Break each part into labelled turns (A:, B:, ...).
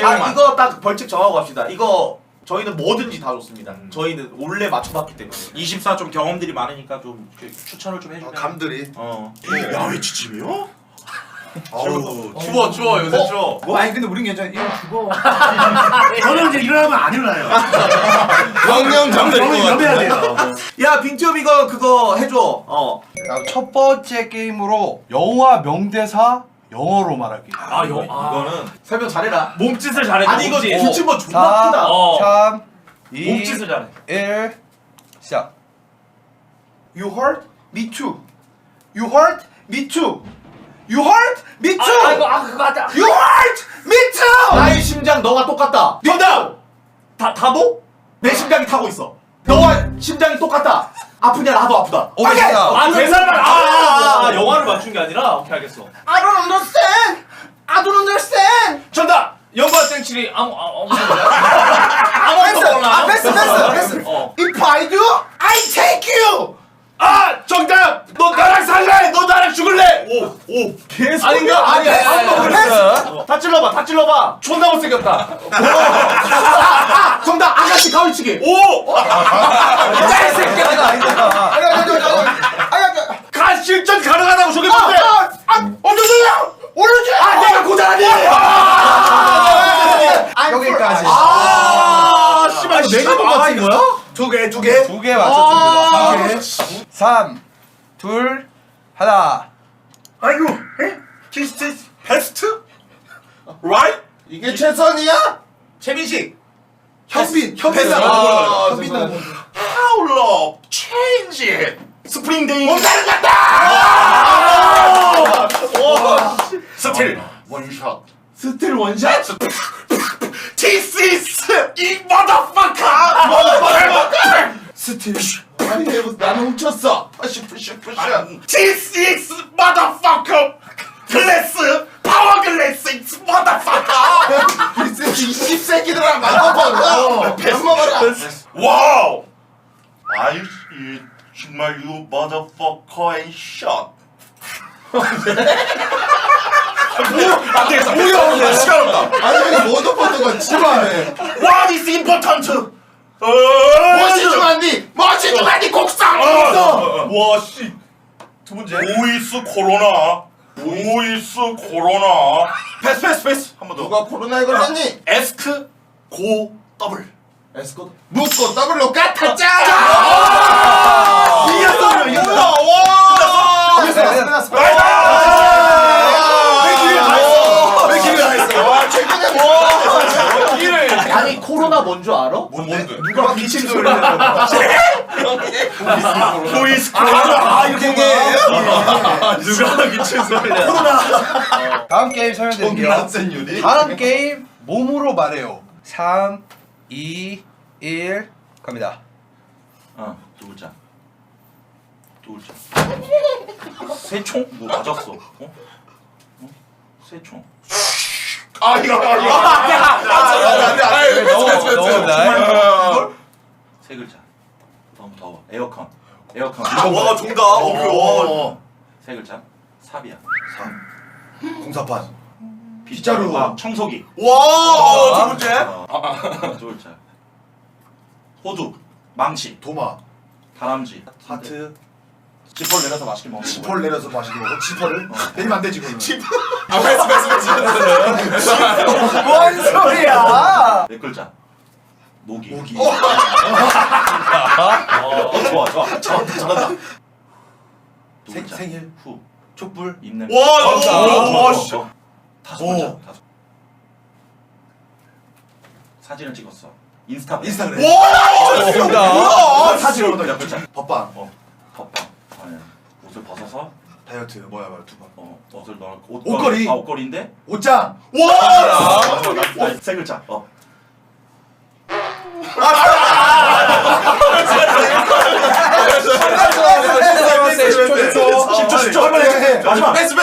A: 이거 딱 벌칙 정하고 갑시다. 이거 저희는 뭐든지 다 좋습니다. 저희는 원래 맞춰봤기 때문에.
B: 24 좀 경험들이 많으니까 좀 추천을 좀 해주면.
C: 감들이.
B: 야외 지침이요?
A: 추워 요새 추워.
C: 뭐 아니 근데 우린 괜찮아. 이거 죽어.
D: 저는 이제 일어나면 안 일어나요.
C: 영영
D: 저는 이러면 돼요.
A: 야 빙튜브 이거 그거 해줘.
E: 첫 번째 게임으로 영화 명대사 영어로 말하기.
A: 이거는 설명 잘해라.
B: 몸짓을 잘해.
A: 아니 이거 불침번 존나 크다.
E: 3, 2,
B: 몸짓을 잘해.
E: 1 시작.
C: You hurt? Me too. You hurt? Me too. You hurt? Me too.
B: 그거 맞아.
C: You hurt? Me too.
A: 나의 심장 너가 똑같다. 정답. 다보? 내 심장이 타고 있어. 너와 심장이 똑같다. 아프냐 나도 아프다.
E: 오케이.
B: 대사를 영화를 맞춘 게 아니라 오케이 알겠어.
C: I don't understand. I don't understand.
B: 정답. 영화 땡칠이 아무것도
C: 패스. If I do, I take you.
B: 정답. 너 나랑 살래? 너 나랑 죽을래? 오.
A: 계속
C: 아닌가? 아니야.
A: 다 찔러봐. 존나 못생겼다. 정답 아가씨 가위치기.
C: 이 새끼야.
B: 가 실전 가능하다고 저게 뭔데?
C: 오른쪽.
A: 내가 고자라니.
E: 여기까지.
A: 씨발 내가 못 맞힌 거야?
C: 두 개.
E: 2개 맞췄습니다. 3, 2, 1.
C: 아이고. 키스.
B: 베스트? right?
C: 이게 최선이야?
A: 최민식.
C: 현빈.
A: 현빈.
C: 현빈.
B: How love change it. 스프링데이.
C: 몸다른 같다.
B: 스틸.
C: 원샷.
A: 스틸 원샷.
B: This is 이 motherfucker.
C: 스틸. 아니 나는 훔쳤어. 푸시.
B: This is motherfucker. 글래스. 파워 글래스. It's motherfucker.
C: 이 씹새끼들아 만나봐. 배 먹어라.
B: 와우. 아이 정말 you motherfucker and shot. 안 되겠어. 뭐야? 시간 없다.
C: 아니 근데 모더퍼드가 지루하네.
B: What is important?
C: 멋이 중요한디 곡상 있어.
B: 와 씨. 두 번째. 보이스 코로나. 패스. 한 번 더.
C: 누가 코로나에 걸렸니?
B: 에스크 고 더블.
A: 에스코트.
C: 묻고 더블로 까탔자.
B: 이겼어.
C: 와.
E: 끝났어.
C: 왜 기회 안 했어? 와 최근에
A: 아니 코로나 뭔 줄 알아?
B: 뭔데?
A: 누가 기침 소리 내는
B: 보이스 코로나.
C: 이렇게
B: 누가 기침 소리 내?
E: 다음 게임 설명드릴게요.
C: 유리.
E: 다음 게임 몸으로 말해요. 3, 2, 1 갑니다.
B: 두 글자. 새총? 뭐 맞았어? 새총.
C: 안돼.
B: 세 글자. 너무 더워. 에어컨.
C: 와 정답.
B: 세 글자. 삽이야.
C: 공사판.
B: 빗자루. 청소기.
C: 와, 두 번째.
B: 두 글자. 호두. 망치.
C: 도마.
B: 다람쥐.
C: 하트.
B: 지퍼를 내려서 맛있게 먹는 거.
C: 지퍼를 내려서 마시는 거고. 지퍼를 내리면 안 되지 그러면.
E: 뭔 소리야?
B: 네 글자. 모기. 좋아. 잘한다. 두 글자.
C: 생일.
B: 후.
C: 촛불.
B: 입냄.
C: 와,
B: 씨. 다섯 글자. 사진을 찍었어. 인스타그램.
C: 와,
A: 사진
C: 뭐야?
B: 몇 글자.
C: 법방.
B: 덮밥. 아니, 옷을 벗어서
C: 다이어트. 뭐야 두 번.
B: 옷을 넣어.
C: 옷걸이.
B: 옷걸이인데.
C: 옷장.
B: 세 글자.
C: 마지막. 패스.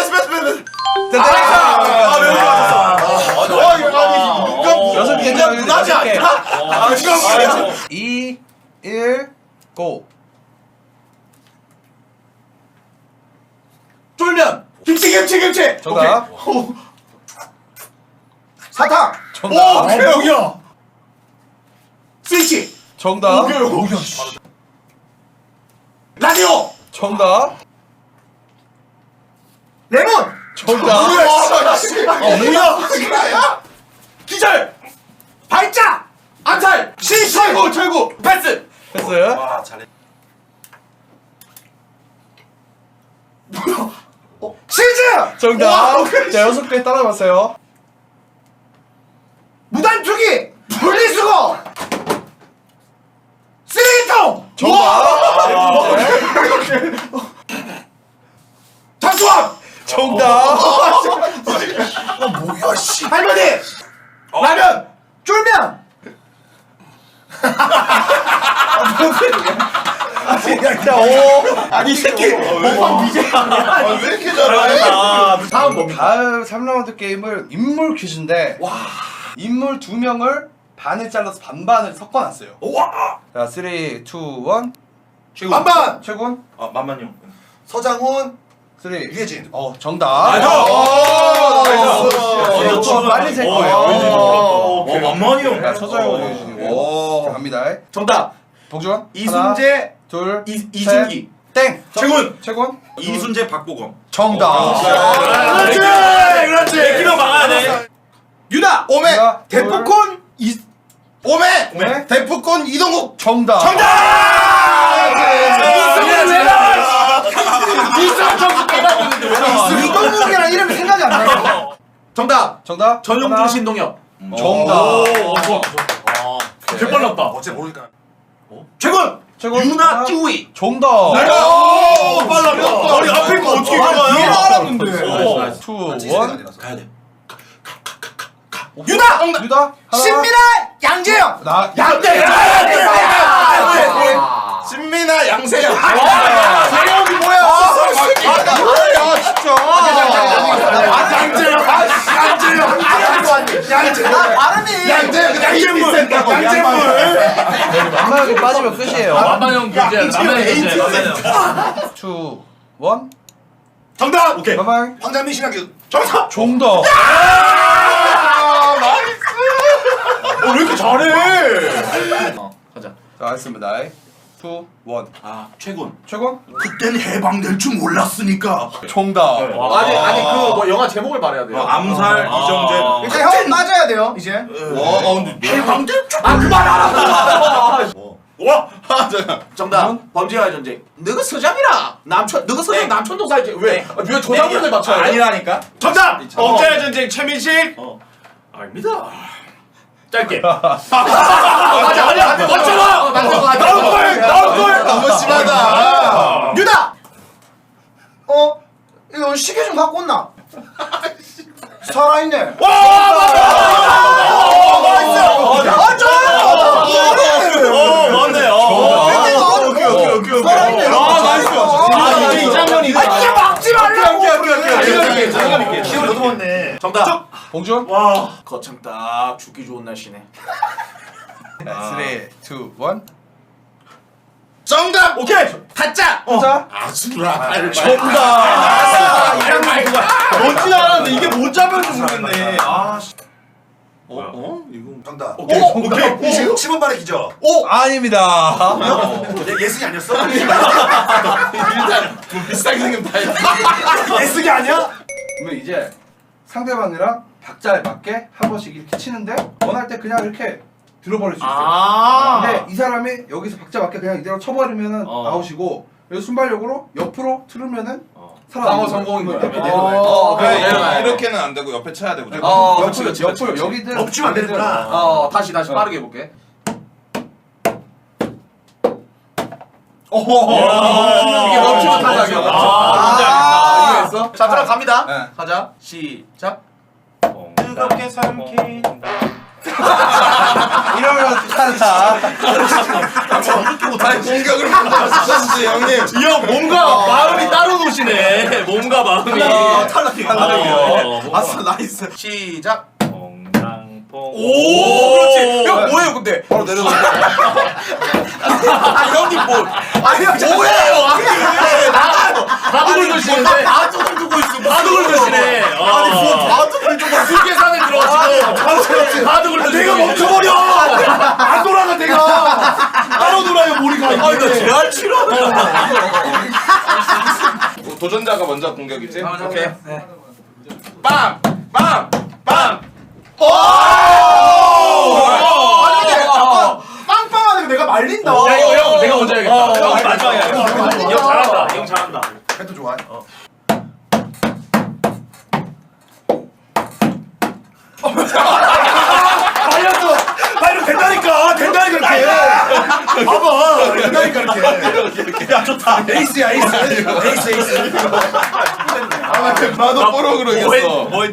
E: 여섯 개
C: 무난하지 않다?
E: 2, 1 고.
A: 쫄면. 김치.
E: 정답.
C: 사탕.
E: 정답.
B: 뭐야?
A: 스위치.
E: 정답.
A: 라디오.
E: 정답.
C: 레몬.
E: 정답.
B: 뭐야?
A: 기절. 발작. 암살. 철구. 철구. 패스.
E: 패스.
B: 와 잘해.
C: 치즈.
E: 정답. 자, 6개 따라봤어요.
C: 무단투기. 분리수거. 쓰레기통.
E: 정답.
A: 장수왕.
E: 정답.
B: 뭐야 씨.
A: 할머니. 라면.
C: 쫄면.
E: 자, 5.
A: 아니 이 새끼.
B: 왜 이렇게 잘해?
A: 다음 뭡니까?
E: 다음 3라운드 게임은 인물 퀴즈인데 인물 2명을 반을 잘라서 반반을 섞어놨어요.
B: 와.
E: 자, 3, 2, 1.
B: 최고.
C: 반반.
E: 최군.
B: 아 만만요.
C: 서장훈.
E: 3.
C: 유해진.
E: 정답.
B: 나이스.
E: 빨리 셀 거예요.
B: 만만이 형.
E: 자, 서장훈 유해진이고. 자, 갑니다.
A: 정답.
E: 복준.
A: 이순재.
E: 둘.
A: 이승기.
E: 땡.
B: 최군.
E: 최군.
B: 이순재 박보검.
E: 정답.
B: 그렇지. 그렇지. 키로 막아야 돼.
A: 유나.
C: 오메.
E: 하나,
C: 대포콘. 오메.
E: 오메.
C: 대포콘 이동국.
E: 정답.
C: 이동국이랑 이름이 생각이 안 나요.
A: 정답.
E: 정답.
A: 전용준
E: 하나.
A: 신동엽.
E: 정답.
B: 개 빨랐다.
C: 어째 모르니까.
A: 최군.
E: 최군.
A: 유나
E: 하나.
A: 찌우이.
E: 정답.
B: 오 빨랐다. 아니 앞에 거 어떻게 알아요?
C: 뒤에 알았는데.
E: 2, 1.
B: 가야 돼.
C: 유나.
E: 유다. 하나.
C: 신민아. 양재영.
E: 나.
B: 신민아 양세형.
C: 재영이 뭐야? 발음이.
B: 양재물.
E: 만만하게 빠지면 끝이에요.
F: 만만형 교재 라면 교재
E: 2, 1.
B: 정답. 오케이.
E: 만만.
C: 황장민 신학교.
B: 정답.
E: 정답.
B: 왜 이렇게 잘해?
A: 가자.
E: 자, 알겠습니다. 2, 1.
B: 아 최군.
E: 최군.
B: 그땐 해방될 줄 몰랐으니까.
E: 정답.
A: 아니 그 뭐 영화 제목을 말해야 돼요.
B: 암살 이정재.
C: 이제 형 맞아야 돼요. 이제.
B: 와 근데 해방될 줄.
A: 아 그만하라.
B: 와. 잠깐.
A: 정답. 범죄와의 전쟁. 너가 서장이라. 너가 서장 남천동 살지. 왜 조상분들 맞춰야 돼?
B: 아니라니까. 정답. 범죄의 전쟁 최민식. 아닙니다. 짧게.
A: 맞아.
B: 맞잖아.
A: 나온 걸.
B: 너무 심하다.
A: 유나.
C: 이거 시계 좀 갖고 온나? 살아있네.
B: 맞네요. 오케이.
C: 살아있네.
B: 이제 이 장면이.
C: 진짜 막지 말라고.
B: 기분 너도 맞네.
A: 정답.
E: 봉준.
B: 와.
A: 거창 딱 죽기 좋은 날씨네.
E: 3, 2, 1.
B: 정답. 오케이.
A: 가짜.
E: 자.
B: 아수라.
E: 정답.
B: 이런 말이야. 뭔지 알았는데 이게 못 잡아서 모르겠네. 아. 이거
C: 정답.
B: 오케이.
C: 10원 만에 기죠.
E: 아닙니다.
C: 예승이 아니었어?
B: 비싸게 생긴 다
C: 예승이 아니야?
E: 그러면 이제 상대방이랑 박자에 맞게 한 번씩 이렇게 치는데 원할 때 그냥 이렇게 들어버릴 수 있어요. 근데 이 사람이 여기서 박자 맞게 그냥 이대로 쳐버리면은 아웃이고 여기서 순발력으로 옆으로 틀으면은
A: 방어 성공인 거야.
E: 이렇게 내려가요.
A: 내려가야 돼.
B: 이렇게는 안 되고 옆에 쳐야 되고.
E: 옆으로 여기든
C: 엎치면 안 되는구나.
A: 다시 빠르게 해볼게. 이게 멈추면 탈락이야. 이해했어? 자 들어갑니다.
E: 네.
A: 가자. 시작.
B: 뜨겁게 삼킨.
E: 이러면 탈락.
B: 공격을 못하시지 형님.
F: 이 형 몸과 마음이 따로 노시네. 몸과 마음이.
B: 탈락이야.
A: 아싸 나이스. 시작.
F: 뽕당뽕.
A: 오 그렇지. 형 뭐예요 근데?
E: 바로 내려가.
A: 아 형님 뭐? 아니 형 뭐예요? 나가요.
F: 바둑을 드시는데.
A: 바둑을 두고 있어.
F: 바둑을 드시네.
A: 아니 뭐 바둑을 두고 술 계산에 들어가시고.
F: 하드 굴려.
D: 내가 멈춰버려. 안 돌아가 내가. 따로 돌아요 머리가.
F: 아니 나 지랄 치러.
B: 도전자가 먼저 공격이지?
F: 오케이.
B: 빵! 빵! 빵!
A: 아니 근데 잠깐 빵빵하니까 내가 말린다.
F: 야 이거 형 내가 먼저 해야겠다. 형 마지막이야. 형 잘한다. 형 잘한다.
E: 도 좋아.
D: 말렸어. 말로 된다니까. 된다니까 이렇게. 봐봐. 된다니까 이렇게. 야 좋다. 에이스야 에이스. 에이스 에이스.
B: 나도 뽀록으로 이겼어.
F: 뭐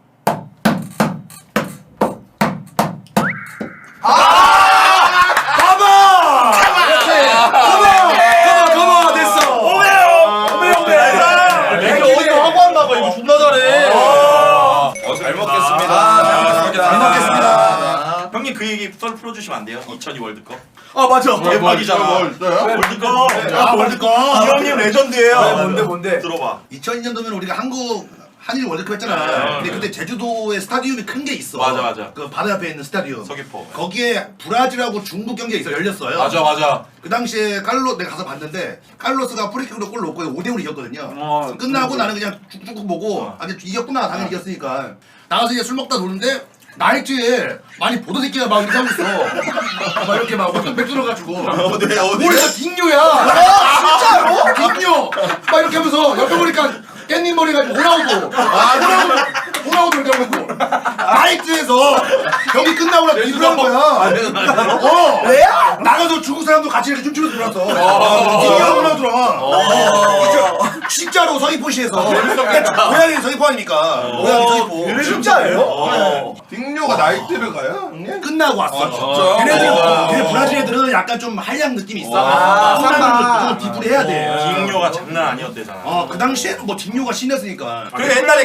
D: 가봐 됐어. 오메.
F: 내가 어디서 하고 한다고 이거 존나 잘해.
B: 잘 먹겠습니다.
D: 잘 먹겠습니다.
F: 형님 그 얘기 썰 풀어주시면 안 돼요? 2002 월드컵.
D: 아 맞아.
F: 대박이잖아. 월드컵.
D: 아 월드컵.
F: 이 형님 레전드예요.
E: 뭔데?
F: 들어봐.
G: 2002년도면 우리가 한국 한일 월드컵 했잖아. 근데 그때 제주도에 스타디움이 큰 게 있어.
F: 맞아.
G: 그 바다 옆에 있는 스타디움.
F: 서귀포.
G: 거기에 브라질하고 중국 경기가 있어 열렸어요.
F: 맞아.
G: 그 당시에 내가 가서 봤는데 칼로스가 프리킥으로 골 넣고 5대5로 이겼거든요. 끝나고 나는 그냥 쭉쭉 보고 아 이제 이겼구나 당연히 이겼으니까 나가서 이제 술 먹다 노는데 나이트에 많이 보도 새끼가 막 이렇게 하고 있어. 막 이렇게 막 맥주 들어가지고.
F: 어디?
G: 머리가 딩뇨야. 진짜로? 딩뇨. 막 이렇게 하면서 옆에 보니까 깻잎 머리 가지고 호나우도. 호나우도 이렇게 하고 있고. 나이트에서 경기 끝나고 나서 입을 하는 거야. 왜야? 나가서 중국 사람도 같이 이렇게 춤추면서 놀았어. 딩뇨 호나우더라. 진짜로 서귀포시에서. 고향이 서귀포 아닙니까? 고향이 서귀포.
A: 진짜예요?
B: 딩뇨가 나이트를 가요? 형님?
G: 끝나고 왔어.
B: 진짜?
G: 걔네 브라질 애들은 약간 좀 한량 느낌이 있어.
A: 삼바.
G: 좀 디프리 해야 돼.
F: 딩요가 장난 아니었대잖아.
G: 그 당시에는 뭐 딩뇨가 신났으니까.
F: 그리고 옛날에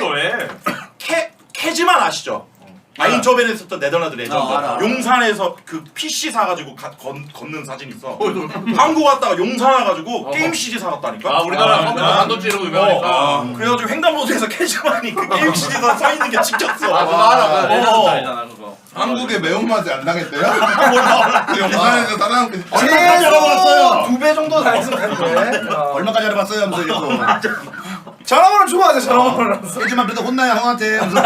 F: 캐지만 아시죠? 아인초벤에 있었던 네덜란드 레전드.
A: 알아.
F: 용산에서 그 PC 사가지고 걷는 사진 있어. 한국 왔다가 용산 와가지고 게임 CD 사갔다니까.
H: 우리나라 컴퓨터 반도체로 유명하니까.
F: 그래가지고 횡단보도에서 캐지만이 그 게임 CD에서 서 있는 게 찍혔어.
H: 그거 알아. 레전드 알잖아 그거.
B: 한국의 매운맛이 안 나겠대요? 영상에서 따라한 게
G: 얼마까지 알아봤어요?
A: 2배 정도 다녔으면 되는데.
G: 얼마까지 알아봤어요? 하면서 이거.
A: 전화번호 주고 하자 전화번호.
G: 하지만 그래도 혼나요 형한테. 하면서.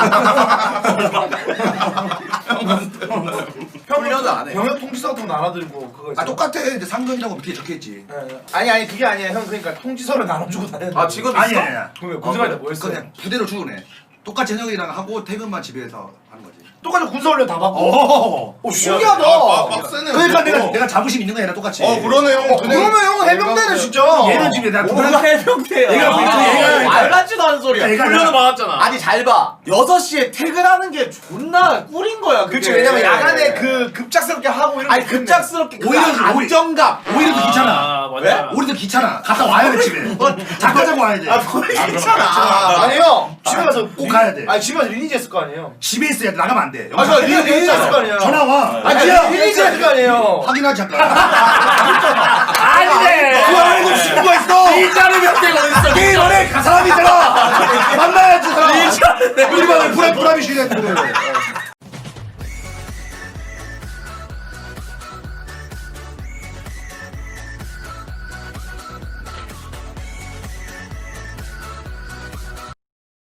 A: 훈련도 안 해. 병역 통지서 같은 거 나눠들고 그거.
G: 아 똑같아. 이제 상병이라고 밑에 적혀있지.
A: 아니 그게 아니야 형. 그러니까 통지서를 나눠주고 다녔는데.
E: 지금
G: 아니야.
A: 그러면 군생활 때뭐 했어?
G: 그냥 부대로 출근해. 똑같이 현역이랑 하고 퇴근만 집에서 하는 거지.
A: 똑같이 군사훈련 다 받고.
G: 오.
A: 신기하다.
B: 빡세네.
G: 그러니까 내가 자부심 있는 거야 얘랑 똑같이.
B: 그러네요.
A: 그러면 형은 해병대네 진짜.
G: 얘는 지금 내가
A: 뭐가 해병대야.
G: 얘가
H: 말 같지도 않은 소리야.
G: 얘가
H: 훈련을 받았잖아.
E: 아니 잘 봐. 6시에 퇴근하는 게 존나 꿀인 거야. 그게.
A: 그렇지 왜냐면 야간에 그 급작스럽게 하고 이런.
E: 아니 급작스럽게
G: 오히려
E: 안정감.
G: 오히려 더 귀찮아.
H: 아 맞아.
G: 우리도 귀찮아. 갔다 와야 돼 집에. 잠깐 자고 와야 돼.
A: 괜찮아. 아니 형 집에 가서
G: 꼭 가야 돼.
A: 아니 집에 가서 리니지 했을 거 아니에요.
G: 집에 있어야 돼. 나가면 안 돼.
A: 아니 저 리니지 했을 거 아니에요.
G: 전화 와.
A: 아니 리니지 했을 거 아니에요.
G: 확인하지 잠깐.
H: 아니네.
G: 그 안에도 친구가 있어.
H: 일자리 명대가 어딨어?
G: 게임 안에 사람이 있잖아. 만나야지 사람. 우리 반에 불합이 쉬네.